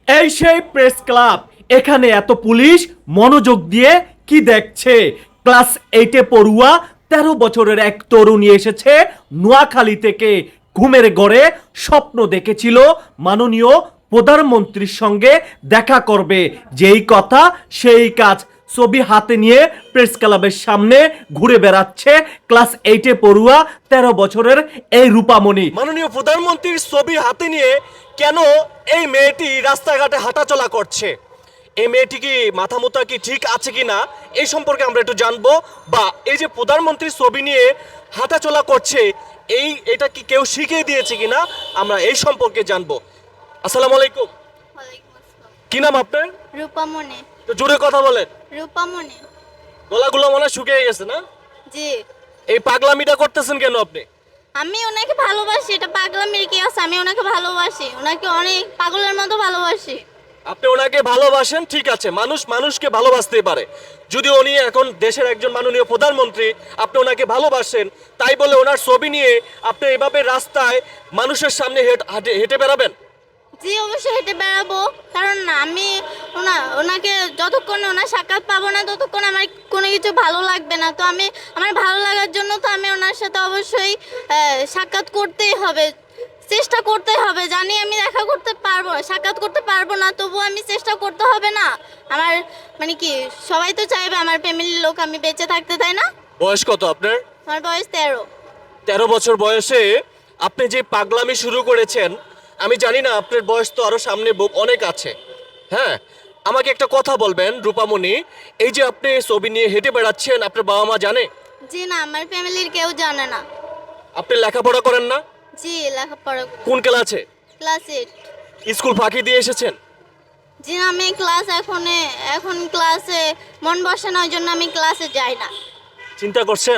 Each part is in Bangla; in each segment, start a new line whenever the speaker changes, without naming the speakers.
এই সেই প্রেস ক্লাব, এখানে এত পুলিশ মনোযোগ দিয়ে কি দেখছে? ক্লাস 8-এ পড়ুয়া 13 বছরের এক তরুণী এসেছে নোয়াখালী থেকে। ঘুমের ঘরে স্বপ্ন দেখেছিল মাননীয় প্রধানমন্ত্রীর সঙ্গে দেখা করবে। যেই কথা সেই কাজ। ছবি হাতে নিয়ে প্রেস ক্লাবের সামনে ঘুরে বেড়াচ্ছে ক্লাস 8-এ পড়ুয়া 13 বছরের এই রূপামণি। মাননীয় প্রধানমন্ত্রীর ছবি হাতে নিয়ে কেন এই মেয়েটি রাস্তাঘাটে হাঁটাচলা করছে? এই মেয়েটি কি মাথা মুথা কি ঠিক আছে কিনা এই সম্পর্কে আমরা একটু জানবো। বা এই যে প্রধানমন্ত্রীর ছবি নিয়ে হাঁটাচলা করছে, এটা কি কেউ শিখিয়ে দিয়েছে কিনা আমরা এই সম্পর্কে জানবো। আসসালামু আলাইকুম।
ওয়ালাইকুম আসসালাম।
কি নাম আপনার?
রূপামণি।
তো জোরে কথা বলেন।
রূপামণি।
গলাগুলো মনে হয় শুকিয়ে গেছে না?
জি।
এই পাগলামিটা করতেছেন কেন আপনি?
আমি ওনাকে ভালোবাসি, এটা পাগলামির কি আছে? আমি ওনাকে ভালোবাসি, ওনাকে অনেক পাগলের মতো ভালোবাসি।
আপনি ওনাকে ভালোবাসেন, ঠিক আছে, মানুষ মানুষকে ভালোবাসতে পারে। যদি উনি এখন দেশের একজন মাননীয় প্রধানমন্ত্রী, আপনি ওনাকে ভালোবাসেন, তাই বলে ওনার ছবি নিয়ে আপনি এভাবে রাস্তায় মানুষের সামনে হেঁটে বেড়াবেন?
জি, অবশ্যই হেঁটে বেড়াবো, কারণ আমি ওনাকে যতক্ষণ ওনার সাক্ষাৎ পাবো না ততক্ষণ আমার কোনো কিছু ভালো লাগবে না। তো আমার ভালো লাগার জন্য তো আমি ওনার সাথে অবশ্যই সাক্ষাৎ করতেই হবে, চেষ্টা করতে হবে। জানি আমি দেখা করতে পারবো, সাক্ষাৎ করতে পারবো না, তবুও আমি চেষ্টা করতে হবে না? আমার মানে কি, সবাই তো চাইবে আমার ফ্যামিলির লোক আমি বেঁচে থাকতে, তাই না?
বয়স কত আপনার?
আমার বয়স 13।
13 বছর বয়সে আপনি যে পাগলামি শুরু করেছেন, আমি জানি না আপনার বয়স তো আরো সামনে অনেক আছে। হ্যাঁ, আমাকে একটা কথা বলবেন রূপামণি, এই যে আপনি ছবি নিয়ে হেঁটে বেড়াচ্ছেন, আপনার বাবা মা জানে?
জি না, আমার ফ্যামিলির কেউ জানে না।
আপনি লেখাপড়া করেন না?
জি, লেখাপড়া
কোন ক্লাসে?
ক্লাস 8।
স্কুল ফাঁকি দিয়ে এসেছেন?
জি না, আমি এখন ক্লাসে মন বসে না, ওই জন্য আমি ক্লাসে যাই না।
চিন্তা করছেন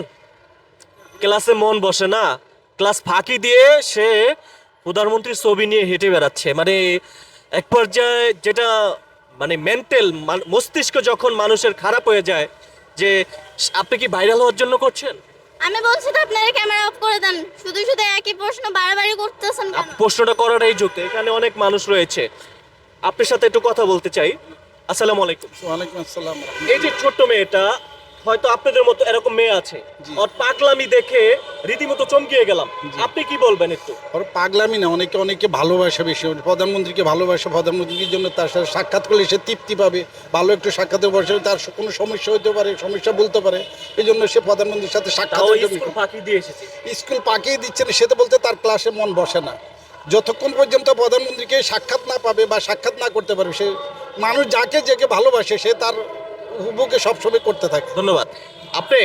ক্লাসে মন বসে না, ক্লাস ফাঁকি দিয়ে সে প্রধানমন্ত্রীর ছবি নিয়ে হেঁটে বেড়াচ্ছে। মানে এক পর্যায়ে যেটা, মানে মেন্টাল মস্তিষ্ক যখন মানুষের খারাপ হয়ে যায়, যে আপনি কি ভাইরাল হওয়ার জন্য করছেন?
আমি বলছি তো আপনারা ক্যামেরা অফ করে দেন, শুধু শুধু একই প্রশ্ন বারবারই করতেছেন কেন?
প্রশ্নটা করাটাই যুক্ত, এখানে অনেক মানুষ রয়েছে, আপনার সাথে একটু কথা বলতে চাই। আসসালামু আলাইকুম।
ওয়ালাইকুম আসসালাম।
এই যে ছোট্ট মেয়েটা, হয়তো আপনাদের মতো এরকম মেয়ে আছে,
জি।
ওর পাগলামি দেখে রীতিমতো চমকিয়ে গেলাম।
জি।
আপনি কি বলবেন একটু?
ওর পাগলামি না, অনেকে অনেকে ভালোবাসে বেশি, প্রধানমন্ত্রীকে ভালোবাসে, প্রধানমন্ত্রীর জন্য তার সাথে সাক্ষাৎ করলে সে তৃপ্তি পাবে, ভালো একটু সাক্ষাতে বসে, তার কোনো সমস্যা হতে পারে, সমস্যা বলতে পারে, এই জন্য সে প্রধানমন্ত্রীর সাথে
তাও
সাক্ষাতের জন্য
স্কুল ফাঁকি দিয়ে এসেছে।
স্কুল পাকিয়ে দিচ্ছে না, সে তো বলতে তার ক্লাসে মন বসে না। যতক্ষণ পর্যন্ত প্রধানমন্ত্রীকে সাক্ষাৎ না পাবে বা সাক্ষাৎ না করতে পারবে, সে মানুষ যাকে যাকে ভালোবাসে সে তার উপভোগে সবসময় করতে থাকে।
ধন্যবাদ। আপনি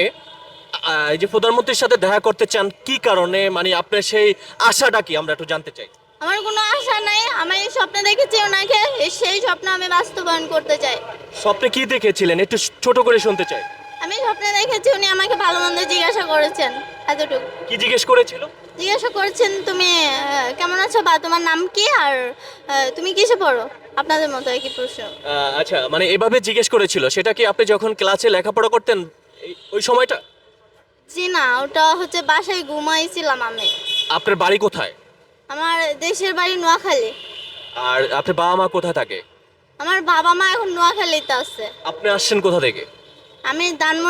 এই যে প্রধানমন্ত্রীর সাথে দেখা করতে চান, কি কারণে? মানে আপনার সেই আশাটা কি, আমরা একটু জানতে চাই।
আমার কোনো আশা নাই, আমি এই স্বপ্ন দেখেছি ওনাকে, সেই স্বপ্ন আমি বাস্তবায়ন করতে চাই।
স্বপ্নে কি দেখেছিলেন একটু ছোট করে শুনতে চাই।
আমি স্বপ্নে দেখেছি উনি আমাকে ভালো মন্দ জিজ্ঞাসা করেছেন, এতটুকু।
কি জিজ্ঞেস করেছিল?
জিজ্ঞাসা করেছেন তুমি কেমন আছো, বা তোমার নাম কি, আর তুমি কিসে পড়ো, আপনাদের মতো একই প্রশ্ন।
আচ্ছা, মানে এভাবে জিজ্ঞেস করেছিল, সেটা কি আপনি যখন ক্লাসে লেখাপড়া করতেন ওই সময়টা?
জি না, ওটা হচ্ছে বাসায় ঘুমাইছিলাম আমি।
আপনার বাড়ি কোথায়?
আমার দেশের বাড়ি নোয়াখালী।
আর আপনার বাবা মা কোথায় থাকে?
আমার বাবা মা এখন নোয়াখালীতে আছে।
আপনি আসছেন কোথা থেকে?
আমি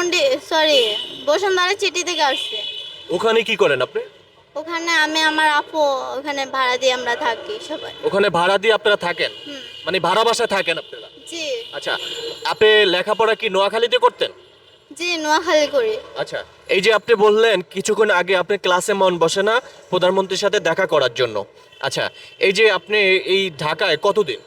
বসুন্ধরা চিঠি থেকে আসছি।
ওখানে কি করেন আপনি?
ওখানে আমি আমার আপু, ওখানে ভাড়া দিয়ে আমরা থাকি সবাই।
ওখানে ভাড়া দিয়ে আপনারা থাকেন?
হুম।
মানে ভাড়া বাসায় থাকেন আপনারা?
জি।
আচ্ছা, আপনি লেখাপড়া কি নোয়াখালীতে করতেন?
জি, নোয়াখালী করি।
আচ্ছা, এই যে আপনি বললেন কিছুক্ষণ আগে আপনি ক্লাসে মন বসে না প্রধানমন্ত্রীর সাথে দেখা করার জন্য। আচ্ছা, এই যে আপনি এই ঢাকায় কতদিন?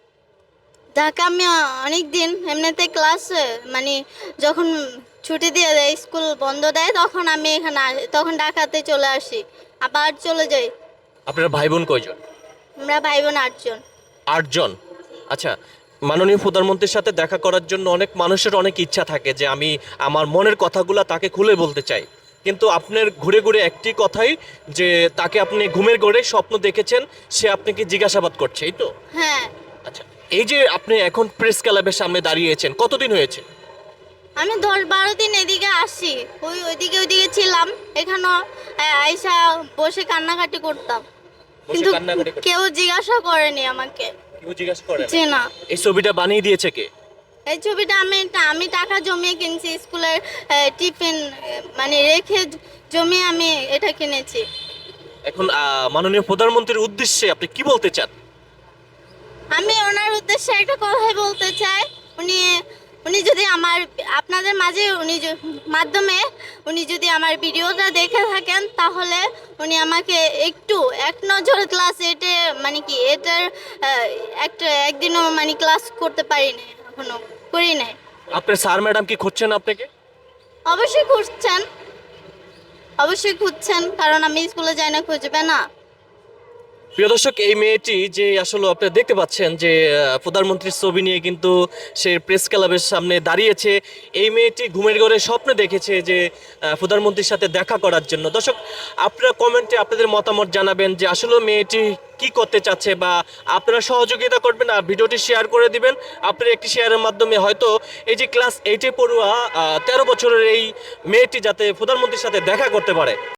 ঢাকা আমি অনেক দিন, এমনিতে ক্লাস মানে যখন ছুটি দিয়ে দেয়, স্কুল বন্ধ দেয়, তখন আমি তখন ঢাকাতে চলে আসি, আবার চলে যাই।
আপনার ভাই বোন কয়জন?
আমরা ভাই বোন 8 জন।
8 জন। আচ্ছা, মাননীয় প্রধানমন্ত্রীর সাথে দেখা করার জন্য অনেক মানুষের অনেক ইচ্ছা থাকে যে আমি আমার মনের কথাগুলো তাকে খুলে বলতে চাই, কিন্তু আপনার ঘুরে ঘুরে একটি কথাই, যে তাকে আপনি ঘুমের ঘরে স্বপ্ন দেখেছেন, সে আপনাকে জিজ্ঞাসাবাদ করছে, এই তো?
হ্যাঁ।
আচ্ছা, এই যে আপনি এখন প্রেস ক্লাবের সামনে দাঁড়িয়েছেন, কতদিন হয়েছে?
আমি 10-12 দিন এদিকে আসি, ওইদিকে ছিলাম, এখানেও আইসা বসে কান্নাকাটি করতাম,
বসে
কিন্তু
কান্নাকাটি করছেন?
কেউ জিজ্ঞাসা করেনি আমাকে।
কেউ জিজ্ঞাসা করে
জি না।
এই ছবিটা বানিয়ে দিয়েছে কে?
এই ছবিটা আমি টাকা জমিয়ে কিনছি, স্কুলের টিফিন মানে রেখে জমিয়ে আমি এটা কিনেছি।
এখন মাননীয় প্রধানমন্ত্রীর উদ্দেশ্যে আপনি কি বলতে চান?
আমি ওনার উদ্দেশ্যে একটা কথাই বলতে চাই, উনি উনি যদি আপনাদের মাঝে মাধ্যমে উনি যদি আমার ভিডিওটা দেখে থাকেন, তাহলে উনি আমাকে একটু এক নজর ক্লাস এটে মানে কি এটার একদিনও মানে ক্লাস করতে পারিনি, এখনো করি নাই।
আপনার স্যার ম্যাডাম কি খুঁজছেন আপনাকে?
অবশ্যই খুঁজছেন, কারণ আমি স্কুলে যাই না, খুঁজবে না?
প্রিয় দর্শক, এই মেয়েটি যে আসলে আপনারা দেখতে পাচ্ছেন যে প্রধানমন্ত্রীর ছবি নিয়ে কিন্তু সে প্রেস ক্লাবের সামনে দাঁড়িয়েছে। এই মেয়েটি ঘুমের ঘরে স্বপ্নে দেখেছে যে প্রধানমন্ত্রীর সাথে দেখা করার জন্য। দর্শক, আপনারা কমেন্টে আপনাদের মতামত জানাবেন যে আসলে মেয়েটি কি করতে চাচ্ছে, বা আপনারা সহযোগিতা করবেন আর ভিডিওটি শেয়ার করে দিবেন। আপনার একটি শেয়ারের মাধ্যমে হয়তো এই যে ক্লাস 8-এ পড়ুয়া 13 বছরের এই মেয়েটি যাতে প্রধানমন্ত্রীর সাথে দেখা করতে পারে।